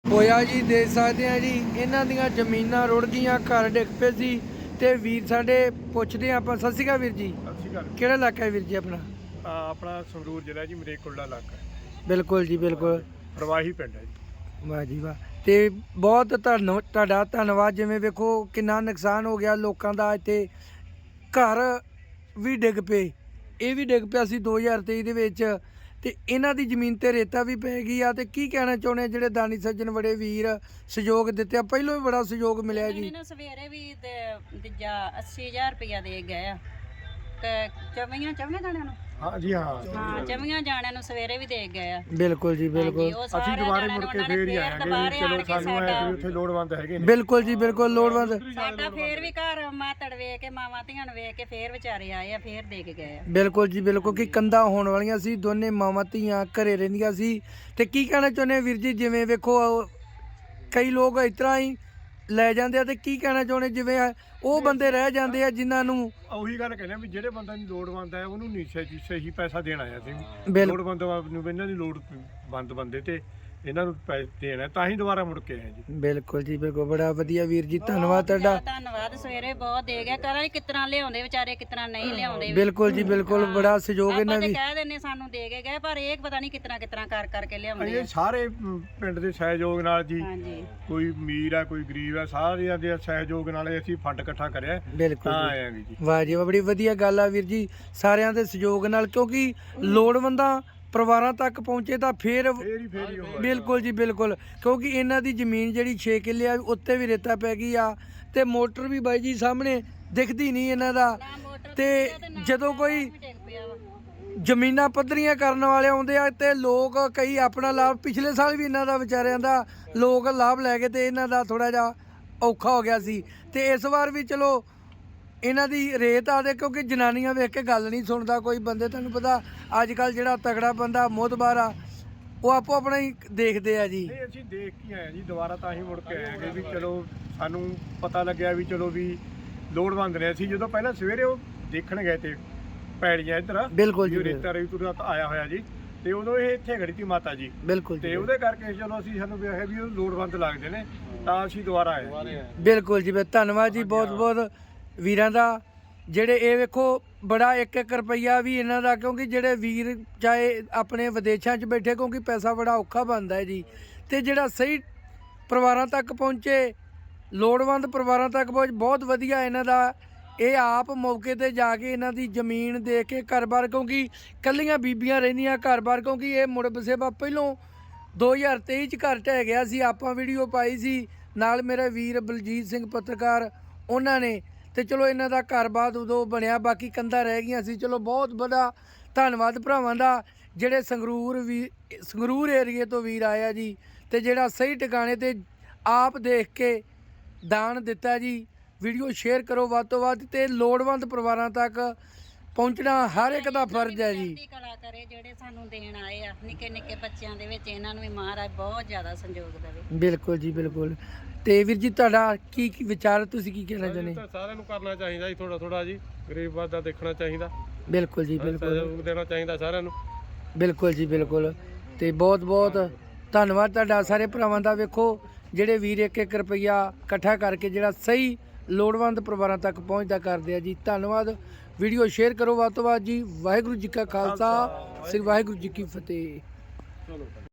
ਹੋਇਆ ਜੀ। ਦੇਖ ਸਕਦੇ ਆ ਜੀ, ਇਹਨਾਂ ਦੀਆਂ ਜ਼ਮੀਨਾਂ ਰੁੜ ਗਈਆਂ, ਘਰ ਡਿੱਗ ਪਏ ਸੀ। ਤੇ ਵੀਰ ਸਾਡੇ ਪੁੱਛਦੇ ਆਪਾਂ। ਸਤਿ ਸ਼੍ਰੀ ਅਕਾਲ ਵੀਰ ਜੀ। ਸਤਿ ਸ਼੍ਰੀ ਅਕਾਲ। ਕਿਹੜਾ ਇਲਾਕਾ ਹੈ ਵੀਰ ਜੀ ਆਪਣਾ? ਆਪਣਾ ਸੰਗਰੂਰ ਜ਼ਿਲ੍ਹਾ ਜੀ, ਮਰੇਕੋਟਲਾ ਇਲਾਕਾ ਹੈ। ਬਿਲਕੁਲ ਜੀ, ਬਿਲਕੁਲ। ਪ੍ਰਵਾਹੀ ਪਿੰਡ ਹੈ ਜੀ। ਵਾਹ ਜੀ ਵਾਹ। ਤੇ ਬਹੁਤ ਤੁਹਾਡਾ ਧੰਨਵਾਦ। ਜਿਵੇਂ ਵੇਖੋ ਕਿੰਨਾ ਨੁਕਸਾਨ ਹੋ ਗਿਆ ਲੋਕਾਂ ਦਾ। ਇੱਥੇ ਘਰ ਵੀ ਡਿੱਗ ਪਏ, ਇਹ ਵੀ ਡਿੱਗ ਪਿਆ ਸੀ 2023 ਦੇ ਵਿੱਚ। ਤੇ ਇਹਨਾਂ ਦੀ ਜ਼ਮੀਨ ਤੇ ਰੇਤਾ ਵੀ ਪੈ ਗਈ ਆ। ਤੇ ਕੀ ਕਹਿਣਾ ਚਾਹੁੰਦੇ ਆ ਜਿਹੜੇ ਦਾਨੀ ਸੱਜਣ ਬੜੇ ਵੀਰ ਸਹਿਯੋਗ ਦਿੱਤੇ ਆ? ਪਹਿਲੋਂ ਵੀ ਬੜਾ ਸਹਿਯੋਗ ਮਿਲਿਆ ਜੀ। ਸਵੇਰੇ ਵੀ ਦੂਜਾ 80000 ਰੁਪਇਆ ਦੇ ਗਏ ਆ ਤੇ ਚਵੀਆਂ ਜਾਣਿਆਂ ਨੂੰ। ਹਾਂ ਜੀ, ਹਾਂ ਹਾਂ, ਚਵੀਆਂ ਜਾਣਿਆਂ ਨੂੰ ਸਵੇਰੇ ਵੀ ਦੇ ਗਏ ਆ। ਬਿਲਕੁਲ ਜੀ, ਬਿਲਕੁਲ। ਅਸੀਂ ਦੁਬਾਰੇ ਮੁੜ ਕੇ ਫੇਰ ਹੀ ਆਵਾਂਗੇ। ਚਲੋ ਸਾਨੂੰ ਐ ਵੀ ਉੱਥੇ ਲੋੜਵੰਦ ਹੈਗੇ ਨੇ। ਬਿਲਕੁਲ ਜੀ, ਬਿਲਕੁਲ ਲੋੜਵੰਦ। ਸਾਡਾ ਫੇਰ ਵੀ ਘਰ ਮਾਤੜ ਵੇਖ ਕੇ, ਮਾਵਾਂ ਧੀਆਂ ਨੂੰ ਵੇਖ ਕੇ ਫੇਰ ਵਿਚਾਰੇ ਆਏ ਆ, ਫੇਰ ਦੇ ਕੇ ਗਏ ਆ। ਬਿਲਕੁਲ ਜੀ, ਬਿਲਕੁਲ। ਕਿ ਕੰਧਾਂ ਹੋਣ ਵਾਲੀਆਂ ਸੀ, ਦੋਨੇ ਮਾਵਾਂ ਧੀਆਂ ਘਰੇ ਰਹਿੰਦੀਆਂ ਸੀ। ਤੇ ਕੀ ਕਹਿਣਾ ਚਾਹੁੰਦੇ ਵੀਰ ਜੀ? ਜਿਵੇਂ ਵੇਖੋ ਕਈ ਲੋਕ ਇਸ ਤਰ੍ਹਾਂ ਹੀ ਲੈ ਜਾਂਦੇ ਆ, ਤੇ ਕੀ ਕਹਿਣਾ ਚਾਹੁੰਦੇ ਜਿਵੇਂ ਉਹ ਬੰਦੇ ਰਹਿ ਜਾਂਦੇ ਆ ਜਿਨ੍ਹਾਂ ਨੂੰ? ਉਹੀ ਗੱਲ ਕਹਿੰਦੇ ਵੀ ਜਿਹੜੇ ਬੰਦੇ ਨੂੰ ਲੋੜਵੰਦ ਹੈ ਉਹਨੂੰ ਨਹੀਂ ਸਹੀ ਪੈਸਾ ਦੇਣਾ ਆ। ਅਸੀਂ ਲੋੜਵੰਦ ਨੂੰ ਇਹਨਾਂ ਦੀ ਲੋੜਵੰਦ ਬੰਦੇ ਤੇ ਇਹਨਾਂ ਨੂੰ ਪੈਸੇ ਦੇਣਾ, ਤਾਂ ਹੀ ਦੁਬਾਰਾ ਮੁੜ ਕੇ ਆਏ ਜੀ। ਬਿਲਕੁਲ ਜੀ, ਬਿਲਕੁਲ। ਬੜਾ ਵਧੀਆ ਵੀਰ ਜੀ, ਧੰਨਵਾਦ ਤੁਹਾਡਾ। ਧੰਨਵਾਦ। ਸਵੇਰੇ ਬਹੁਤ ਦੇ ਗਿਆ। ਕਰਾਂ ਕਿਤਨਾ ਲਿਆਉਂਦੇ ਵਿਚਾਰੇ, ਕਿਤਨਾ ਨਹੀਂ ਲਿਆਉਂਦੇ। ਬਿਲਕੁਲ ਜੀ, ਬਿਲਕੁਲ। ਬੜਾ ਸਹਿਯੋਗ ਇਹਨਾਂ ਦੀ। ਕਹਿ ਦਿੰਦੇ ਸਾਨੂੰ ਦੇ ਕੇ ਗਏ, ਪਰ ਇਹ ਪਤਾ ਨਹੀਂ ਕਿਤਨਾ ਕਰਕੇ ਲਿਆਉਂਦੇ ਇਹ ਸਾਰੇ ਪਿੰਡ ਦੇ ਸਹਿਯੋਗ ਨਾਲ ਜੀ। ਹਾਂਜੀ। ਕੋਈ ਅਮੀਰ ਆ, ਕੋਈ ਗਰੀਬ ਆ, ਸਾਰਿਆਂ ਦੇ ਸਹਿਯੋਗ ਨਾਲ ਅਸੀਂ ਫੰਡ ਇਕੱਠਾ ਕਰਿਆ, ਬਿਲਕੁਲ ਤਾਂ ਆਏ ਜੀ। ਵਾਹ ਜੀ ਵਾਹ, ਬੜੀ ਵਧੀਆ ਗੱਲ ਆ ਵੀਰ ਜੀ। ਸਾਰਿਆਂ ਦੇ ਸਹਿਯੋਗ ਨਾਲ, ਕਿਉਂਕਿ ਲੋੜਵੰਦਾਂ ਪਰਿਵਾਰਾਂ ਤੱਕ ਪਹੁੰਚੇ ਤਾਂ ਫੇਰ ਬਿਲਕੁਲ ਜੀ, ਬਿਲਕੁਲ। ਕਿਉਂਕਿ ਇਹਨਾਂ ਦੀ ਜ਼ਮੀਨ ਜਿਹੜੀ 6 ਕਿੱਲੇ ਆ, ਉੱਤੇ ਵੀ ਰੇਤਾ ਪੈ ਗਈ ਆ। ਤੇ ਮੋਟਰ ਵੀ ਬਾਈ ਜੀ ਸਾਹਮਣੇ ਦਿਖਦੀ ਨਹੀਂ ਇਹਨਾਂ ਦਾ। ਤੇ ਜਦੋਂ ਕੋਈ ਜ਼ਮੀਨਾਂ ਪੱਧਰੀਆਂ ਕਰਨ ਵਾਲੇ ਆਉਂਦੇ ਆ ਤੇ ਲੋਕ ਕਈ ਆਪਣਾ ਲਾਭ, ਪਿਛਲੇ ਸਾਲ ਵੀ ਇਹਨਾਂ ਦਾ ਵਿਚਾਰਿਆਂ ਦਾ ਲੋਕ ਲਾਭ ਲੈ ਗਏ ਤੇ ਇਹਨਾਂ ਦਾ ਥੋੜਾ ਜਿਹਾ ਔਖਾ ਹੋ ਗਿਆ ਸੀ। ਤੇ ਇਸ ਵਾਰ ਵੀ ਚਲੋ ਇਹਨਾਂ ਦੀ ਰੇਤ ਆ ਦੇ, ਕਿਉਂਕਿ ਜਨਾਨੀਆਂ ਵੇਖ ਕੇ ਗੱਲ ਨਹੀਂ ਸੁਣਦਾ ਕੋਈ। ਬੰਦੇ ਤੁਹਾਨੂੰ ਪਤਾ ਅੱਜ ਕੱਲ ਜਿਹੜਾ ਤਗੜਾ ਬੰਦਾ ਮੋਹਤਬਾਰ ਆ, ਉਹ ਆਪੋ ਆਪਣਾ ਹੀ ਦੇਖਦੇ ਆ ਜੀ। ਨਹੀਂ, ਅਸੀਂ ਦੇਖ ਕੇ ਆਏ ਜੀ ਦੁਬਾਰਾ, ਤਾਂ ਹੀ ਮੁੜ ਕੇ ਆਏ ਵੀ ਚਲੋ ਸਾਨੂੰ ਪਤਾ ਲੱਗਿਆ ਵੀ ਚਲੋ ਵੀ ਲੋੜਵੰਦ ਨੇ। ਅਸੀਂ ਜਦੋਂ ਪਹਿਲਾਂ ਸਵੇਰੇ ਉਹ ਦੇਖਣ ਗਏ ਤੇ ਪੈੜੀਆਂ ਇੱਧਰ ਬਿਲਕੁਲ ਜੀ, ਰੇਤਾ ਤੁਰਤ ਆਇਆ ਹੋਇਆ ਜੀ, ਤੇ ਉਦੋਂ ਇਹ ਇੱਥੇ ਖੜੀ ਸੀ ਮਾਤਾ ਜੀ। ਬਿਲਕੁਲ ਤੇ ਉਹਦੇ ਕਰਕੇ ਚਲੋ ਅਸੀਂ ਸਾਨੂੰ ਵੇਖਿਆ ਵੀ ਉਹ ਲੋੜਵੰਦ ਲੱਗਦੇ ਨੇ, ਤਾਂ ਅਸੀਂ ਦੁਬਾਰਾ ਆਏ। ਬਿਲਕੁਲ ਜੀ, ਧੰਨਵਾਦ ਜੀ ਬਹੁਤ ਬਹੁਤ ਵੀਰਾਂ ਦਾ। ਜਿਹੜੇ ਇਹ ਵੇਖੋ ਬੜਾ 1-1 ਰੁਪਈਆ ਵੀ ਇਹਨਾਂ ਦਾ, ਕਿਉਂਕਿ ਜਿਹੜੇ ਵੀਰ ਚਾਹੇ ਆਪਣੇ ਵਿਦੇਸ਼ਾਂ 'ਚ ਬੈਠੇ, ਕਿਉਂਕਿ ਪੈਸਾ ਬੜਾ ਔਖਾ ਬਣਦਾ ਹੈ ਜੀ। ਤੇ ਜਿਹੜਾ ਸਹੀ ਪਰਿਵਾਰਾਂ ਤੱਕ ਪਹੁੰਚੇ, ਲੋੜਵੰਦ ਪਰਿਵਾਰਾਂ ਤੱਕ ਪਹੁੰਚ, ਬਹੁਤ ਵਧੀਆ ਇਹਨਾਂ ਦਾ। ਇਹ ਆਪ ਮੌਕੇ ਤੇ ਜਾ ਕੇ ਇਹਨਾਂ ਦੀ ਜ਼ਮੀਨ ਦੇਖ ਕੇ ਘਰ-ਬਾਰ, ਕਿਉਂਕਿ ਇਕੱਲੀਆਂ ਬੀਬੀਆਂ ਰਹਿੰਦੀਆਂ ਘਰ-ਬਾਰ, ਕਿਉਂਕਿ ਇਹ ਮੁੜ ਬਸੇਬਾ ਪਹਿਲੋਂ 2023 'ਚ ਘਰ ਢਹਿ ਗਿਆ ਸੀ। ਆਪਾਂ ਵੀਡੀਓ ਪਾਈ ਸੀ, ਨਾਲ ਮੇਰਾ ਵੀਰ ਬਲਜੀਤ ਸਿੰਘ ਪੱਤਰਕਾਰ, ਉਹਨਾਂ ਨੇ। ਤੇ ਚਲੋ ਇਹਨਾਂ ਦਾ ਘਰ-ਬਾਰ ਉਦੋਂ ਬਣਿਆ, ਬਾਕੀ ਕੰਧਾਂ ਰਹਿ ਗਈਆਂ ਸੀ। ਚਲੋ ਬਹੁਤ ਬੜਾ ਧੰਨਵਾਦ ਭਰਾਵਾਂ ਦਾ, ਜਿਹੜੇ ਸੰਗਰੂਰ ਏਰੀਏ ਤੋਂ ਵੀਰ ਆਇਆ ਜੀ, ਤੇ ਜਿਹੜਾ ਸਹੀ ਟਿਕਾਣੇ ਤੇ ਆਪ ਦੇਖ ਕੇ ਦਾਨ ਦਿੱਤਾ ਜੀ। ਵੀਡੀਓ ਸ਼ੇਅਰ ਕਰੋ ਵੱਧ ਤੋਂ ਵੱਧ, ਤੇ ਲੋੜਵੰਦ ਪਰਿਵਾਰਾਂ ਤੱਕ ਪਹੁੰਚਣਾ ਹਰ ਇੱਕ ਦਾ ਫਰਜ਼ ਹੈ ਜੀ। ਕਲਾ ਕਰੇ ਜਿਹੜੇ ਸਾਨੂੰ ਦੇਣ ਆਏ ਆ, ਨਿੱਕੇ ਨਿੱਕੇ ਬੱਚਿਆਂ ਦੇ ਵਿੱਚ ਇਹਨਾਂ ਨੂੰ ਵੀ ਮਹਾਰਾਜ ਬਹੁਤ ਜ਼ਿਆਦਾ ਸੰਯੋਗ ਦੇਵੇ। ਬਿਲਕੁਲ ਜੀ, ਬਿਲਕੁਲ। ਤੇ ਵੀਰ ਜੀ ਤੁਹਾਡਾ ਕੀ ਵਿਚਾਰ, ਤੁਸੀਂ ਕੀ ਕਹਿਣਾ ਚਾਹੁੰਦੇ? ਸਾਰਿਆਂ ਨੂੰ ਕਰਨਾ ਚਾਹੀਦਾ ਜੀ, ਥੋੜਾ ਜੀ ਗਰੀਬਾਂ ਦਾ ਦੇਖਣਾ ਚਾਹੀਦਾ। ਬਿਲਕੁਲ ਜੀ, ਬਿਲਕੁਲ। ਸਹਿਯੋਗ ਦੇਣਾ ਚਾਹੀਦਾ ਸਾਰਿਆਂ ਨੂੰ। ਬਿਲਕੁਲ ਜੀ, ਬਿਲਕੁਲ। ਤੇ ਬਹੁਤ ਬਹੁਤ ਧੰਨਵਾਦ ਤੁਹਾਡਾ ਸਾਰੇ ਭਰਾਵਾਂ ਦਾ। ਵੇਖੋ ਜਿਹੜੇ ਵੀਰ 1-1 ਰੁਪਈਆ ਇਕੱਠਾ ਕਰਕੇ ਜਿਹੜਾ ਸਹੀ ਲੋੜਵੰਦ ਪਰਿਵਾਰਾਂ ਤੱਕ ਪਹੁੰਚਦਾ ਕਰਦੇ ਆ ਜੀ। ਧੰਨਵਾਦ। ਵੀਡੀਓ ਸ਼ੇਅਰ ਕਰੋ ਵੱਧ ਤੋਂ ਵੱਧ ਜੀ। ਵਾਹਿਗੁਰੂ ਜੀ ਕਾ ਖਾਲਸਾ, ਸ੍ਰੀ ਵਾਹਿਗੁਰੂ ਜੀ ਕੀ ਫਤਿਹ।